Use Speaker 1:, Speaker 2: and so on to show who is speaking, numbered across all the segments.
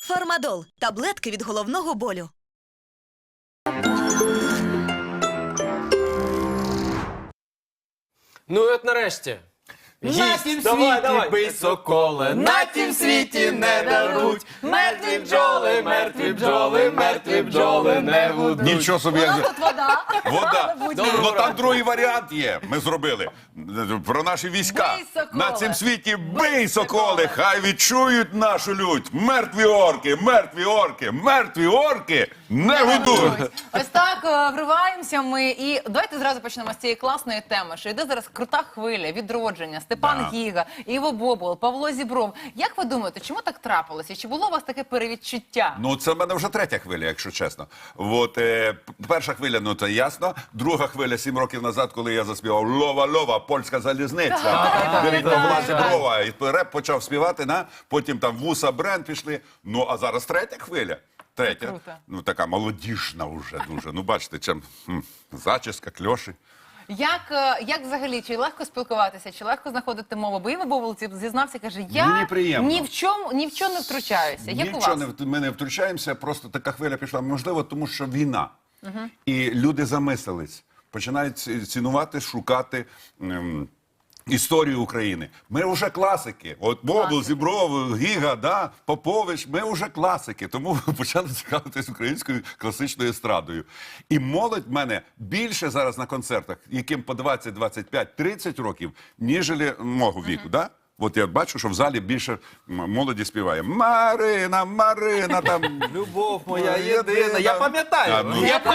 Speaker 1: Фармадол – таблетки від головного болю.
Speaker 2: Ну і от нарешті.
Speaker 3: На тім світі бий соколе, на тім світі не даруть. Мертві бджоли, мертві бджоли, мертві бджоли не гудуть.
Speaker 4: Нічого собі.
Speaker 5: Тут вода.
Speaker 4: Вода.
Speaker 2: Доброго
Speaker 4: Ну там
Speaker 2: ранку.
Speaker 4: другий варіант є. Ми зробили. Про наші війська.
Speaker 5: Бий, соколе.
Speaker 4: На цім світі бий, соколи, хай відчують нашу лють. Мертві орки, мертві орки, мертві орки не гудуть.
Speaker 5: Ось так вриваємося ми. І давайте зразу почнемо з цієї класної теми, що йде зараз крута хвиля, відродження. Степан
Speaker 4: Да.
Speaker 5: Гіга, Іво Бобол, Павло Зібров. Як ви думаєте, чому так трапилося? Чи було у вас таке перевідчуття?
Speaker 4: Ну, це в мене вже третя хвиля, якщо чесно. От, перша хвиля, ну це ясно. Друга хвиля 7 років назад, коли я заспівав «Лова-лова, польська залізниця». Беріть Павла Зіброва. І реп почав співати, потім там Вуса, Бренд пішли. Ну, а зараз третя хвиля. Третя.
Speaker 5: Круто.
Speaker 4: Ну, така молодіжна вже дуже. Ну, бачите, чим зачіска, кльоші.
Speaker 5: Як взагалі, чи легко спілкуватися, чи легко знаходити мову? Бо Іво Бобол зізнався, каже, я
Speaker 4: Мені приємно.
Speaker 5: ні в чому не втручаюся. Як у
Speaker 4: Нічого
Speaker 5: вас?
Speaker 4: ми не втручаємося, просто така хвиля пішла. Можливо, тому що війна. І люди замислились, починають цінувати, шукати історію України. Ми вже класики. От Бобол, Зібров, Гіга, да, Попович, ми вже класики. Тому почали цікавитись українською класичною естрадою. І молодь в мене більше зараз на концертах, яким по 20, 25, 30 років, ніжели мого віку, да? От я бачу, що в залі більше молоді співає. Марина, Марина, там...
Speaker 3: Любов моя єдина. Я пам'ятаю.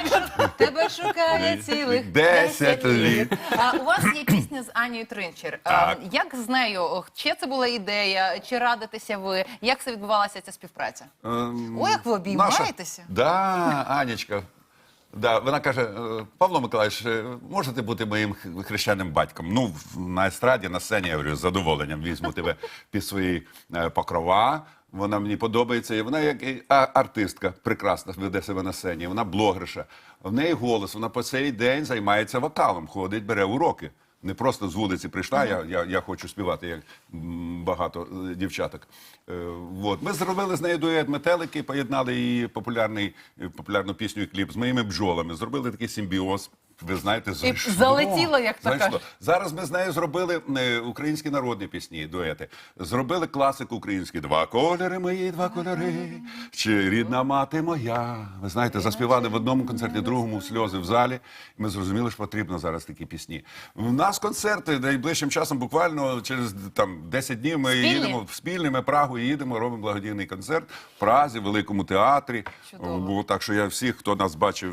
Speaker 5: Тебе шукає цілих
Speaker 4: 10 літ.
Speaker 5: У вас є пісня з Анією Тринчер.
Speaker 4: Так.
Speaker 5: Як з нею? Чи це була ідея? Чи радитеся ви? Як це відбувалася ця співпраця? Ой, як ви обіймаєтеся.
Speaker 4: Да, Анечка. Да, вона каже, Павло Миколаївич, можете бути моїм хрещеним батьком? Ну, на естраді, на сцені, я говорю, з задоволенням візьму тебе під свої покрова. Вона мені подобається. І вона як артистка, прекрасно веде себе на сцені. Вона блогерша. В неї голос, вона по цей день займається вокалом, ходить, бере уроки. Не просто з вулиці прийшла, я хочу співати, як багато дівчаток. От. Ми зробили з нею дует «Метелики», поєднали її популярну пісню і кліп з моїми бджолами. Зробили такий симбіоз. Ви знаєте, зайшло.
Speaker 5: залетіло, як то
Speaker 4: Зайшло.
Speaker 5: кажуть.
Speaker 4: Зараз ми з нею зробили українські народні пісні, дуети. Зробили класику українську «Два кольори мої, два кольори, чи рідна мати моя». Ви знаєте, заспівали в одному концерті, другому сльози в залі. І ми зрозуміли, що потрібно зараз такі пісні. У нас концерти найближчим часом, буквально через 10 днів ми їдемо спільні, ми Прагу їдемо, робимо благодійний концерт в Празі, в Великому театрі.
Speaker 5: Чудово.
Speaker 4: Так що я всіх, хто нас бачив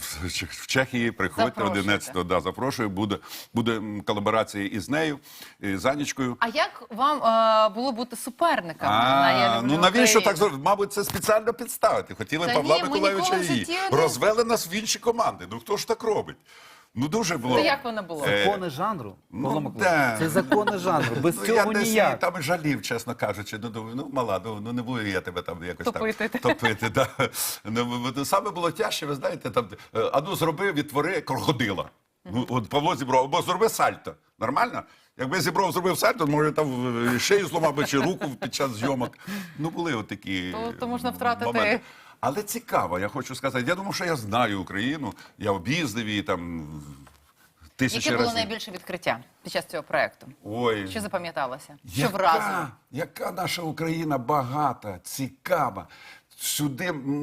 Speaker 4: в Чехії, приходьте.
Speaker 5: Запрошуйте.
Speaker 4: 11-го, да, запрошую. Буде колаборація із нею, і з Анічкою.
Speaker 5: А як вам було бути суперниками? «Я люблю
Speaker 4: Ну навіщо
Speaker 5: Україну»?
Speaker 4: так зробити? Мабуть, це спеціально підставити. Хотіли
Speaker 5: Та
Speaker 4: Павла
Speaker 5: ні, ми
Speaker 4: Миколаївича
Speaker 5: ніколи в
Speaker 4: і
Speaker 5: житті
Speaker 4: її.
Speaker 5: не-
Speaker 4: Розвели нас в інші команди. Ну хто ж так робить? Ну дуже було.
Speaker 5: То як воно було?
Speaker 3: Закони жанру, Павло Миколаївич.
Speaker 4: да.
Speaker 3: Це закони жанру. Без
Speaker 4: Ну,
Speaker 3: цього
Speaker 4: я десь
Speaker 3: ніяк.
Speaker 4: там і жалів, чесно кажучи. Ну, думаю, ну мала, ну не буду я тебе там якось
Speaker 5: Топити.
Speaker 4: там топити. Да. Ну, саме було тяжче, ви знаєте, там, зроби, відтвори крокодила. Ну, от Павло Зібров, або зроби сальто. Нормально? Якби Зібров зробив сальто, може там шею зламав би чи руку під час зйомок. Ну, були от такі
Speaker 5: То можна втратити.
Speaker 4: моменти. Але цікаво, я хочу сказати. Я думаю, що я знаю Україну, я об'їздив її там тисячі
Speaker 5: Яке було
Speaker 4: разів.
Speaker 5: найбільше відкриття під час цього проєкту?
Speaker 4: Ой.
Speaker 5: Що запам'яталося? Що вразило?
Speaker 4: Яка наша Україна багата, цікава. Сюди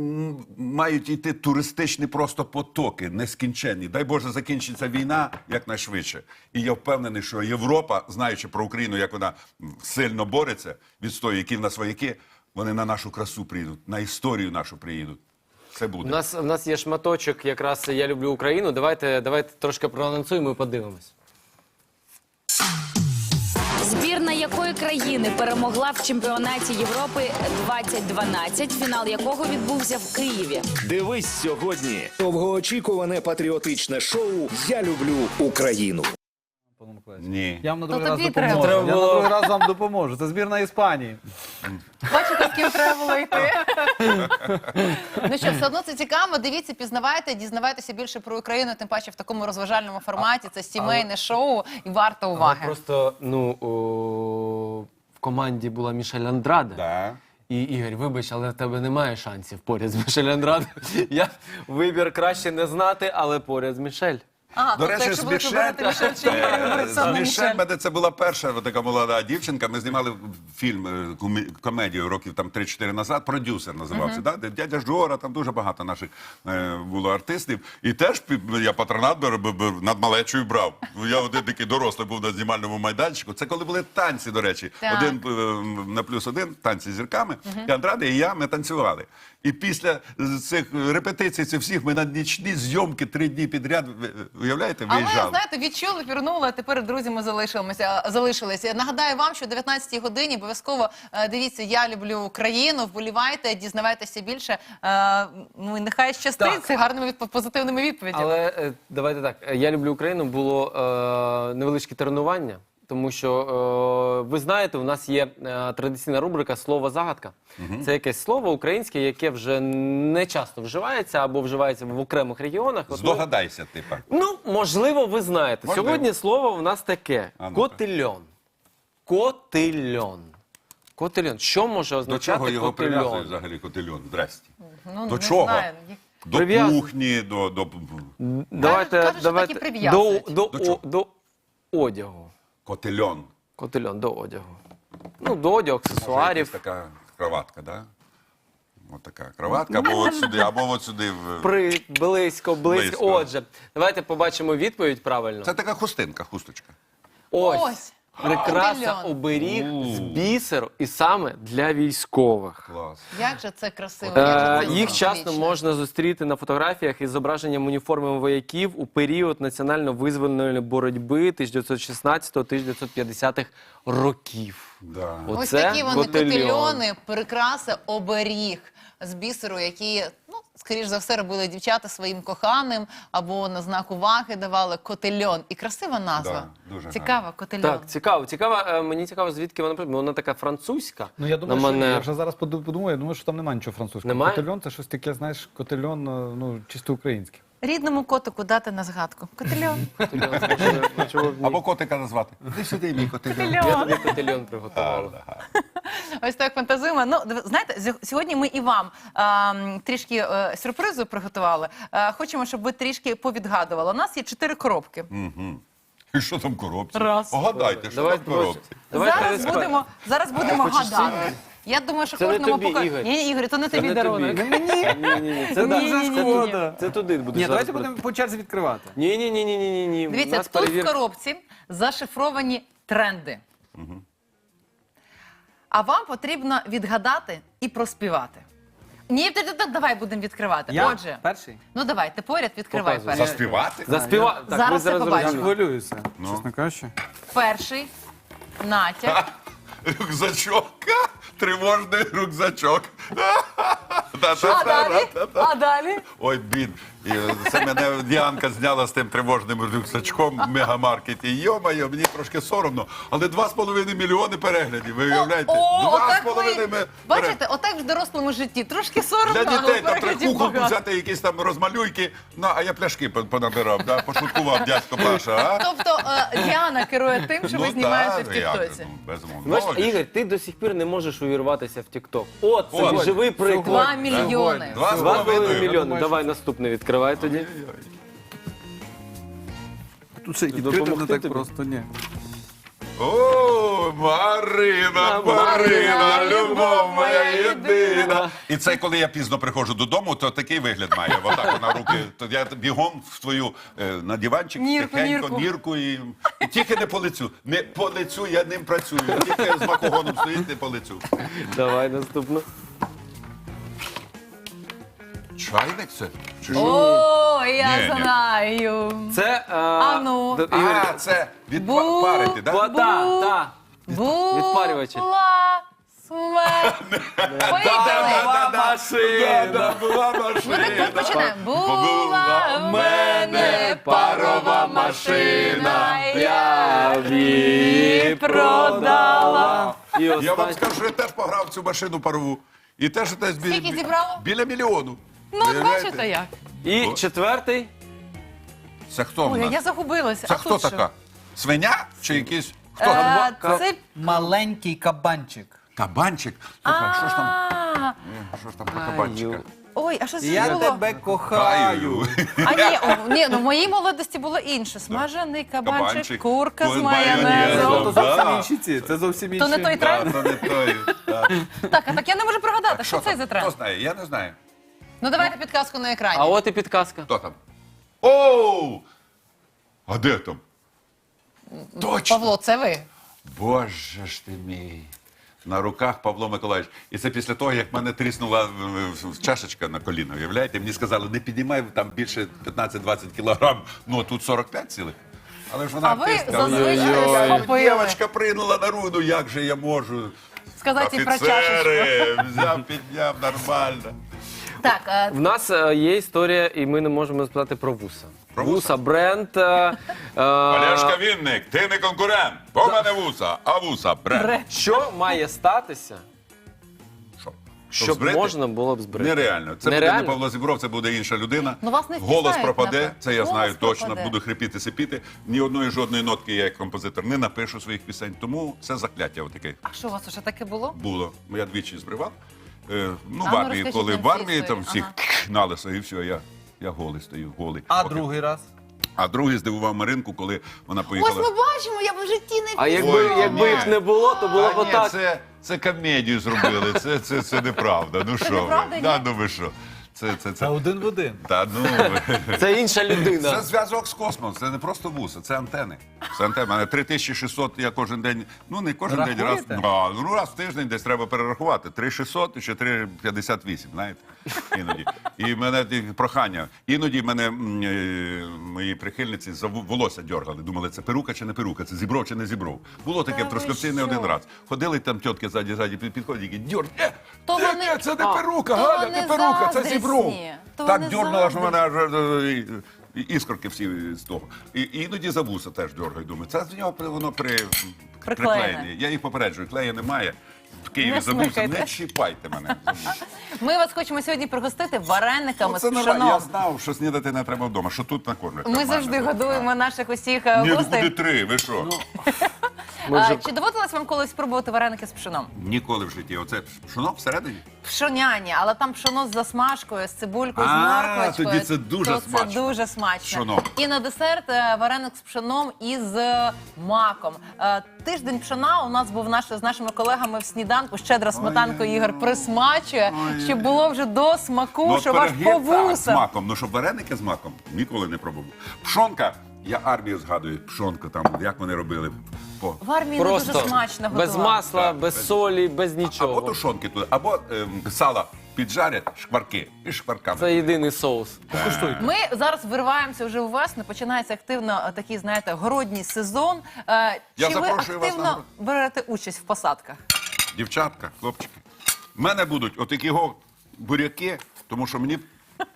Speaker 4: мають йти туристичні просто потоки, нескінченні. Дай Боже, закінчиться війна якнайшвидше. І я впевнений, що Європа, знаючи про Україну, як вона сильно бореться, відстоює, які в нас вояки, вони на нашу красу приїдуть, на історію нашу приїдуть. Це буде.
Speaker 2: У нас є шматочок якраз «Я люблю Україну». Давайте трошки проанонсуємо і подивимось.
Speaker 6: Збірна якої країни перемогла в чемпіонаті Європи 2012, фінал якого відбувся в Києві.
Speaker 7: Дивись сьогодні довгоочікуване патріотичне шоу «Я люблю Україну».
Speaker 3: Павло Миколаївич.
Speaker 4: Ні.
Speaker 3: Я вам на
Speaker 5: То
Speaker 3: другий раз
Speaker 5: тобі
Speaker 3: допоможу.
Speaker 5: треба.
Speaker 3: Я на другий раз вам допоможу. Це збірна Іспанії.
Speaker 5: Бачите, з ким треба було йти? Ну що, все одно це цікаво. Дивіться, пізнавайте, дізнавайтеся більше про Україну, тим паче в такому розважальному форматі. Це сімейне шоу і варто уваги.
Speaker 2: Просто, в команді була Мішель Андраде.
Speaker 4: Да.
Speaker 2: І, Ігор, вибач, але в тебе немає шансів поряд з Мішель Андраде. Я вибір краще не знати, але поряд з Мішель.
Speaker 5: Ага,
Speaker 4: До
Speaker 5: тобто,
Speaker 4: речі,
Speaker 5: якщо
Speaker 4: з
Speaker 5: будете
Speaker 4: Мішель,
Speaker 5: вибирати Мішель чи Ігор,
Speaker 4: з
Speaker 5: саме
Speaker 4: Мішель
Speaker 5: Мішель.
Speaker 4: мене це була перша така молода дівчинка. Ми знімали фільм, комедію років там 3-4 назад, «Продюсер» називався, да? Де дядя Жора, там дуже багато наших було артистів. І теж я патронат над малечою брав. Я один такий дорослий був на знімальному майданчику. Це коли були танці, до речі.
Speaker 5: Так.
Speaker 4: 1+1, танці з зірками. І Андраде, і я, ми танцювали. І після цих репетицій, цих всіх, ми на нічні зйомки 3 дні підряд, уявляєте,
Speaker 5: Але,
Speaker 4: виїжджали.
Speaker 5: знаєте, відчули, пірнули, а тепер друзями залишилися. Нагадаю вам, що о 19-й годині обов'язково дивіться «Я люблю Україну», вболівайте, дізнавайтеся більше. Ну, і нехай щастить
Speaker 2: Так.
Speaker 5: з гарними позитивними відповідями.
Speaker 2: Але давайте так. «Я люблю Україну» було невеличке тренування. Тому що, ви знаєте, у нас є традиційна рубрика «Слово-загадка». Це якесь слово українське, яке вже не часто вживається або вживається в окремих регіонах. От ми-
Speaker 4: Здогадайся, типа.
Speaker 2: Ну, можливо, ви знаєте.
Speaker 4: Можливо.
Speaker 2: Сьогодні слово в нас таке.
Speaker 4: А ну-ка.
Speaker 2: Котильон. Котильон. Котильон. Що може
Speaker 4: До
Speaker 2: означати
Speaker 4: чого його прив'язують
Speaker 2: котильон?
Speaker 4: взагалі котельон? Здрасті.
Speaker 5: Ну,
Speaker 4: До
Speaker 5: не
Speaker 4: чого?
Speaker 5: знаю.
Speaker 4: До
Speaker 2: Прив'язують.
Speaker 4: кухні, до...
Speaker 5: Кажуть, що так і прив'язують.
Speaker 2: До одягу.
Speaker 4: Котельон.
Speaker 2: Котильон, до одягу. Ну, до одягу,
Speaker 4: Може, якась
Speaker 2: аксесуарів.
Speaker 4: така кроватка, да? Ось така кроватка, або от сюди, або от сюди.
Speaker 2: Близько.
Speaker 4: Близько.
Speaker 2: Отже, давайте побачимо відповідь правильно.
Speaker 4: Це така хустинка, хусточка.
Speaker 5: Ось.
Speaker 2: Прикраса,
Speaker 5: Котильон.
Speaker 2: оберіг з бісеру і саме для військових.
Speaker 4: Клас.
Speaker 5: Як же це красиво, як же це
Speaker 2: Їх часто
Speaker 5: символічно.
Speaker 2: можна зустріти на фотографіях із зображенням уніформи вояків у період національно-визвольної боротьби 1916-1950-х років.
Speaker 4: Да.
Speaker 5: Ось
Speaker 2: Оце
Speaker 5: такі вони
Speaker 2: котельон.
Speaker 5: котельони, прикраса, оберіг з бісеру, які, ну, скоріш за все, робили дівчата своїм коханим або на знак уваги давали котельон. І красива назва.
Speaker 4: Да, дуже
Speaker 5: Цікава, котельон.
Speaker 2: Так, цікаво. Мені цікаво, звідки вона прийшла. Вона така французька.
Speaker 8: Ну, я думаю,
Speaker 2: на
Speaker 8: що,
Speaker 2: манер.
Speaker 8: я вже зараз подумаю, я думаю, що там немає нічого французького.
Speaker 2: Немає?
Speaker 8: Котельон – це щось таке, знаєш, котельон, ну, чисто українське.
Speaker 5: Рідному котику дати на згадку. Котельон.
Speaker 4: Або котика назвати. Ти сюди, мій котельон.
Speaker 2: Я тобі котельон приготувала.
Speaker 5: Ось так фантазуємо. Ну, знаєте, сьогодні ми і вам трішки сюрпризу приготували. Хочемо, щоб ви трішки повідгадували. У нас є 4 коробки.
Speaker 4: І що там в коробці?
Speaker 5: Раз.
Speaker 4: Погадайте, що там в коробці.
Speaker 5: Зараз будемо гадати. Я думаю, що
Speaker 2: Це не
Speaker 5: кожному
Speaker 2: тобі,
Speaker 5: покаже.
Speaker 2: Ігор.
Speaker 5: Ні, Ігор, то не тобі
Speaker 2: не
Speaker 5: дарунок.
Speaker 2: тобі. Ні, це
Speaker 5: Ні-ні-ні-ні-ні.
Speaker 2: Це туди буде.
Speaker 8: Ні, давайте будемо по черзі відкривати.
Speaker 2: Ні.
Speaker 5: Дивіться, тут в коробці зашифровані тренди. А вам потрібно відгадати і проспівати. Ні, давай будемо відкривати.
Speaker 8: Я
Speaker 5: Отже,
Speaker 8: перший?
Speaker 5: ну давай, ти поряд відкривай
Speaker 2: Показуй.
Speaker 5: перший.
Speaker 4: Заспівати?
Speaker 2: Заспіва. Так,
Speaker 5: Зараз
Speaker 2: ви
Speaker 5: це
Speaker 2: зараз
Speaker 5: побачимо.
Speaker 8: Я
Speaker 2: зрозуміли.
Speaker 8: хвилююся, чесно кажучи.
Speaker 5: Перший натяк.
Speaker 4: Рюкзачок. Тривожний рюкзачок.
Speaker 5: А далі? А далі?
Speaker 4: Ой, бід. І це мене Діанка зняла з тим тривожним рюкзачком в мегамаркеті. Йо-моє, мені трошки соромно. Але 2,5 мільйони переглядів. Ви уявляєте?
Speaker 5: Отак
Speaker 4: 2,5
Speaker 5: ви,
Speaker 4: переглядів.
Speaker 5: бачите, отак в дорослому житті. Трошки соромно,
Speaker 4: Для
Speaker 5: але
Speaker 4: дітей там
Speaker 5: переглядів
Speaker 4: куколку
Speaker 5: багато.
Speaker 4: взяти, якісь там розмалюйки. Ну, а я пляшки понабирав, да? Пошуткував дядько Паша, а?
Speaker 5: Тобто Діана керує тим, що ви знімаєте в
Speaker 4: як же,
Speaker 5: Тіктоці.
Speaker 4: ну, безумовно.
Speaker 2: Бачиш,
Speaker 4: Молодець.
Speaker 2: Ігор, ти до сих пір не можеш увірватися в Тік-Ток. От, це
Speaker 4: От.
Speaker 2: живий приклад.
Speaker 5: 2 мільйони.
Speaker 2: 2,5 мільйони. Давай наступне відкривай тоді.
Speaker 8: Тут ще
Speaker 2: відкрити не
Speaker 8: відкрити
Speaker 2: так тобі?
Speaker 8: просто, ні.
Speaker 4: О, Марина, любов моя єдина. І це коли я пізно приходжу додому, то такий вигляд має. Отак вона руки. То я бігом в твою на диванчик, тихенько, нірку і тільки не по лицю. Не по лицю, я ним працюю. Тільки з макогоном стоїть, не по лицю.
Speaker 2: Давай наступну.
Speaker 4: Чайник це? Чи що?
Speaker 5: О, я
Speaker 4: Ні, ні.
Speaker 5: знаю.
Speaker 2: Це...
Speaker 5: ну.
Speaker 2: Ігор,
Speaker 4: А, це від
Speaker 5: Бу-
Speaker 4: парити, так?
Speaker 2: та. Відпарювачі.
Speaker 5: Була смерть. Поїхали.
Speaker 2: машина.
Speaker 4: Була
Speaker 5: Ми
Speaker 4: машина.
Speaker 5: тут починаємо. Була в мене парова машина, я її продала.
Speaker 2: І
Speaker 4: Я вам
Speaker 2: останнє.
Speaker 4: скажу, що я теж пограв в цю машину парову. І теж десь
Speaker 5: Скільки зібрало?
Speaker 4: біля мільйону.
Speaker 5: Ну, от
Speaker 4: Уявляєте?
Speaker 5: бачите як.
Speaker 2: І четвертий.
Speaker 4: Це хто в
Speaker 5: Ой,
Speaker 4: нас?
Speaker 5: я загубилася.
Speaker 4: Це
Speaker 5: А
Speaker 4: хто
Speaker 5: тут що?
Speaker 4: така? Свиня чи якийсь? Хто?
Speaker 5: Це
Speaker 3: Маленький кабанчик.
Speaker 4: Кабанчик? Слухай, що ж там? Що ж там про кабанчика?
Speaker 5: Ой, а що це
Speaker 3: Я
Speaker 5: було?
Speaker 3: тебе кохаю.
Speaker 5: Ні, ну в моїй молодості було інше. Смажений кабанчик,
Speaker 4: Кабанчик,
Speaker 5: курка з
Speaker 4: з
Speaker 5: майонезом.
Speaker 4: майонезом.
Speaker 3: То зовсім інші ці, це зовсім інші.
Speaker 5: То не той
Speaker 4: Да,
Speaker 5: тренд?
Speaker 4: то не той. Так.
Speaker 5: Так я не можу пригадати, що це
Speaker 4: там?
Speaker 5: за
Speaker 4: Хто
Speaker 5: тренд.
Speaker 4: знає? Я не знаю.
Speaker 5: Ну давайте підказку на екрані.
Speaker 2: А от і підказка.
Speaker 4: Хто там? Оу! А де там? Точно!
Speaker 5: Павло, це ви?
Speaker 4: Боже ж ти мій. На руках Павло Миколаївич. І це після того, як мене тріснула чашечка на коліно. Уявляєте? Мені сказали, не піднімай там більше 15-20 кілограм. Ну, а тут 45 цілих. Але ж вона
Speaker 5: А ви
Speaker 4: артистка.
Speaker 5: зазвичай
Speaker 4: Ой-ой-ой.
Speaker 5: схопили.
Speaker 4: Дівчинка прийняла на руку, як же я можу?
Speaker 5: Сказати і про чашечку.
Speaker 4: Офіцери, взяв, підняв, нормально.
Speaker 5: Так,
Speaker 2: В нас є історія, і ми не можемо сказати про вуса.
Speaker 4: Про вуса?
Speaker 2: Вуса бренд.
Speaker 4: Олешка Вінник, ти не конкурент. Бо в мене вуса, а вуса бренд.
Speaker 2: Що має статися,
Speaker 4: Що?
Speaker 2: щоб
Speaker 4: збрити?
Speaker 2: можна було б збрити?
Speaker 4: Нереально. Це буде
Speaker 2: Нереально?
Speaker 4: не Павло Зібров, це буде інша людина.
Speaker 5: Ну, вас не
Speaker 4: Голос
Speaker 5: впізнають,
Speaker 4: пропаде,
Speaker 5: напевно.
Speaker 4: це я
Speaker 5: Голос
Speaker 4: знаю точно.
Speaker 5: пропаде.
Speaker 4: Буду хрипіти, сипіти. Ні одної жодної нотки я як композитор не напишу своїх пісень. Тому це закляття отаке
Speaker 5: а що у вас уже таке було?
Speaker 4: було. Я двічі збривав. Ну,
Speaker 5: ну,
Speaker 4: в армії,
Speaker 5: розкажіть
Speaker 4: коли
Speaker 5: нам
Speaker 4: в
Speaker 5: цю
Speaker 4: армії там
Speaker 5: історію.
Speaker 4: всіх
Speaker 5: Ага.
Speaker 4: на лисо, і все, я голий стою, голий.
Speaker 3: А
Speaker 4: Поки-
Speaker 3: другий раз?
Speaker 4: А другий здивував Маринку, коли вона
Speaker 5: Ось
Speaker 4: поїхала.
Speaker 5: ми бачимо, я б в житті не
Speaker 2: А
Speaker 5: впізнала.
Speaker 2: якби їх не було, то було б
Speaker 4: Та ні,
Speaker 2: отак.
Speaker 4: це комедію зробили, це неправда. Ну що
Speaker 5: неправда,
Speaker 4: ви?
Speaker 5: ні?
Speaker 4: Да, ну ви що? Це.
Speaker 3: Один в один.
Speaker 4: Та ну ви.
Speaker 2: Це інша людина.
Speaker 4: Це зв'язок з космосом, це не просто вуса, це антени. Це антени. У мене 3600 я кожен день, ну не кожен день,
Speaker 3: Рахуєте?
Speaker 4: раз в тиждень десь треба перерахувати. 3600 чи 358, знаєте, іноді. І в мене прохання. Іноді мене мої прихильниці за волосся дьоргали. Думали, це перука чи не перука, це зібров чи не зібров. Було таке
Speaker 5: Та
Speaker 4: в
Speaker 5: ви
Speaker 4: Трускавці не
Speaker 5: що?
Speaker 4: один раз. Ходили там тітки ззаді підходять і дьорг.
Speaker 5: То
Speaker 4: Ні,
Speaker 5: вони-
Speaker 4: це не
Speaker 2: А.
Speaker 4: перука,
Speaker 5: То
Speaker 4: Галя,
Speaker 5: вони
Speaker 4: не перука, це
Speaker 5: заздрісні.
Speaker 4: зібров.
Speaker 5: То
Speaker 4: Так
Speaker 5: вони
Speaker 4: дьорнула, що мене
Speaker 5: заздрісні.
Speaker 4: аж іскорки всі з того. І іноді за вуса теж дьоргаю. Думаю, це з нього воно приклеєне. Я їх попереджую, клею немає. В Києві
Speaker 5: Не
Speaker 4: за вуса,
Speaker 5: смикайте.
Speaker 4: не чіпайте мене за вуса.
Speaker 5: Ми вас хочемо сьогодні пригостити варениками
Speaker 4: Це
Speaker 5: з
Speaker 4: нормально. Я
Speaker 5: пшеном.
Speaker 4: знав, що снідати не треба вдома, що тут накормлять.
Speaker 5: Ми
Speaker 4: Нормально,
Speaker 5: завжди
Speaker 4: так.
Speaker 5: годуємо наших усіх
Speaker 4: Ні, ну
Speaker 5: гостей.
Speaker 4: куди три, ви що?
Speaker 5: Чи доводилось вам колись спробувати вареники з пшеном?
Speaker 4: Ніколи в житті. Оце пшоно всередині?
Speaker 5: Пшоняні, але там пшоно з засмажкою, з цибулькою, з
Speaker 4: А,
Speaker 5: морквочкою.
Speaker 4: тоді це дуже
Speaker 5: То
Speaker 4: смачно.
Speaker 5: Це дуже смачно.
Speaker 4: Пшоно.
Speaker 5: І на десерт вареник з пшеном і з маком. Тиждень пшона у нас був з нашими колегами в сніданку. Щедра сметанка Ігор присмачує, щоб було вже до смаку,
Speaker 4: Ну,
Speaker 5: щоб аж
Speaker 4: пироги,
Speaker 5: по
Speaker 4: так, з
Speaker 5: вусам.
Speaker 4: маком. Ну, щоб вареники з маком ніколи не пробував. Пшонка, я армію згадую, пшонку там, як вони робили.
Speaker 5: В армії не дуже
Speaker 2: Просто
Speaker 5: смачно готували.
Speaker 2: без масла,
Speaker 4: Так,
Speaker 2: без
Speaker 4: без-
Speaker 2: солі, без
Speaker 4: Або
Speaker 2: нічого.
Speaker 4: тушонки туди, або сала піджарять, шкварки і шкварками.
Speaker 2: Це єдиний соус.
Speaker 5: Ми зараз вириваємося вже у весну, починається активно такий, знаєте, городній сезон.
Speaker 4: Я
Speaker 5: Чи ви
Speaker 4: запрошую вас
Speaker 5: активно
Speaker 4: на город.
Speaker 5: берете участь в посадках?
Speaker 4: Дівчатка, хлопчики. В мене будуть отакі буряки, тому що мені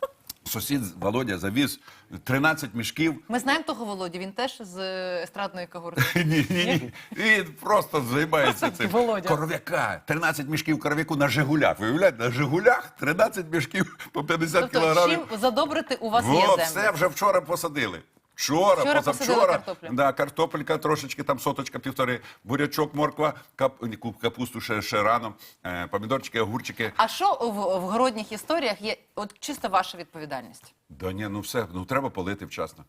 Speaker 4: сусід Володя завіз 13 мішків.
Speaker 5: Ми знаємо того Володю, він теж з естрадної когорти.
Speaker 4: Ні. Він просто займається цим.
Speaker 5: Володя.
Speaker 4: Коров'яка. 13 мішків коров'яку на Жигулях. Ви уявляєте, на Жигулях 13 мішків по 50
Speaker 5: Тобто,
Speaker 4: кілограмів.
Speaker 5: чим задобрити у вас є
Speaker 4: Во,
Speaker 5: землю?
Speaker 4: все вже вчора посадили. Вчора,
Speaker 5: Вчора посадили
Speaker 4: позавчора.
Speaker 5: картоплю.
Speaker 4: Да, картопелька трошечки, там соточка, півтори, бурячок, морква, капусту ще рано, помідорчики, огурчики.
Speaker 5: А що в городніх історіях є от чисто ваша відповідальність?
Speaker 4: Да ні, ну все, ну треба полити вчасно.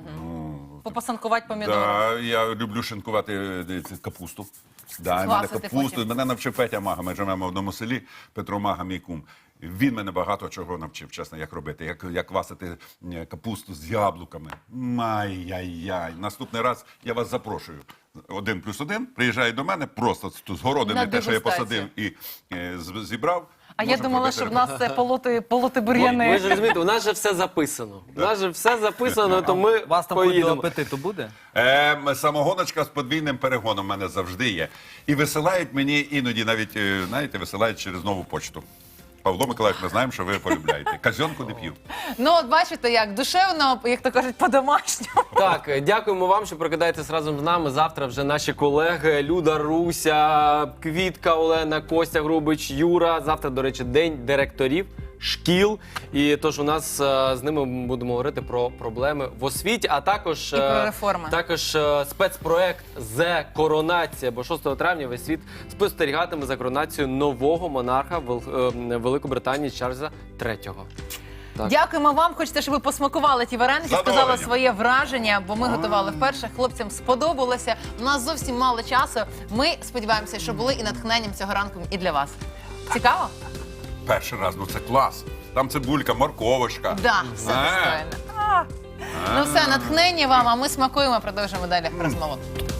Speaker 5: Попасанкувати помідори?
Speaker 4: Да, я люблю шинкувати капусту. Да, в мене
Speaker 5: Квасити
Speaker 4: капусту.
Speaker 5: потім.
Speaker 4: Мене навчив Петя Мага. Ми живемо в одному селі. Петро Мага, мій кум. Він мене багато чого навчив, чесно, як робити. Як квасити капусту з яблуками. Ай-яй-яй. Наступний раз я вас запрошую. 1+1, приїжджає до мене, просто з городини,
Speaker 5: На
Speaker 4: те, що я
Speaker 5: дегустацію.
Speaker 4: посадив і зібрав.
Speaker 5: А я
Speaker 4: можемо
Speaker 5: думала,
Speaker 4: робити
Speaker 5: що в нас це полоти
Speaker 2: Ви
Speaker 5: бур'яни.
Speaker 2: ж розумієте, у нас же все записано. У нас же все записано, то ми
Speaker 3: У вас там хоч до
Speaker 2: поїдемо.
Speaker 3: апетиту буде?
Speaker 4: Самогоночка з подвійним перегоном в мене завжди є. І висилають мені іноді навіть, знаєте, висилають через нову почту. Павло Миколаївич, ми знаємо, що ви полюбляєте. Казьонку не п'ю.
Speaker 5: Ну, от бачите, як душевно, як то кажуть, по-домашньому.
Speaker 2: Так, дякуємо вам, що прокидаєтесь разом з нами. Завтра вже наші колеги Люда Руся, Квітка Олена, Костя Грубич, Юра. Завтра, до речі, день директорів. шкіл. І тож у нас з ними ми будемо говорити про проблеми в освіті, а також,
Speaker 5: І про реформи.
Speaker 2: також спецпроект «Зе Коронація», бо 6 травня весь світ спостерігатиме за коронацією нового монарха Великобританії Чарльза III. Так.
Speaker 5: Дякуємо вам. Хочете, щоб ви посмакували ті вареники, сказали
Speaker 4: Задоволенням.
Speaker 5: своє враження, бо ми готували вперше. Хлопцям сподобалося. У нас зовсім мало часу. Ми сподіваємося, що були і натхненням цього ранку і для вас. Цікаво?
Speaker 4: Перший раз, ну це клас. Там цибулька, морковочка.
Speaker 5: Да, все достойно. Ну все, натхнення вам, а ми смакуємо, продовжуємо далі розмову.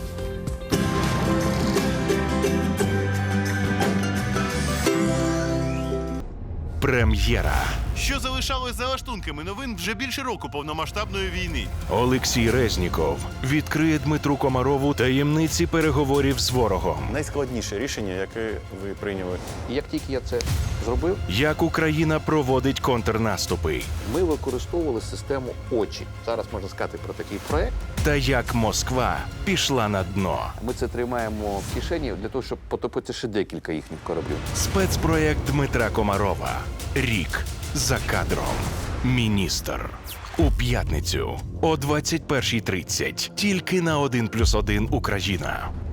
Speaker 9: Прем'єра.
Speaker 10: Що залишалось за лаштунками новин вже більше року повномасштабної війни.
Speaker 9: Олексій Резніков відкриє Дмитру Комарову таємниці переговорів з ворогом.
Speaker 11: Найскладніше рішення, яке ви прийняли.
Speaker 12: І як тільки я це зробив,
Speaker 9: Як Україна проводить контрнаступи.
Speaker 12: ми використовували систему «Очі». Зараз можна сказати про такий проект.
Speaker 9: Та як Москва пішла на дно.
Speaker 12: Ми це тримаємо в кишені для того, щоб потопити ще декілька їхніх кораблів.
Speaker 9: Спецпроєкт Дмитра Комарова. Рік за кадром. Міністр. У п'ятницю о 21:30. Тільки на 1+1 Україна.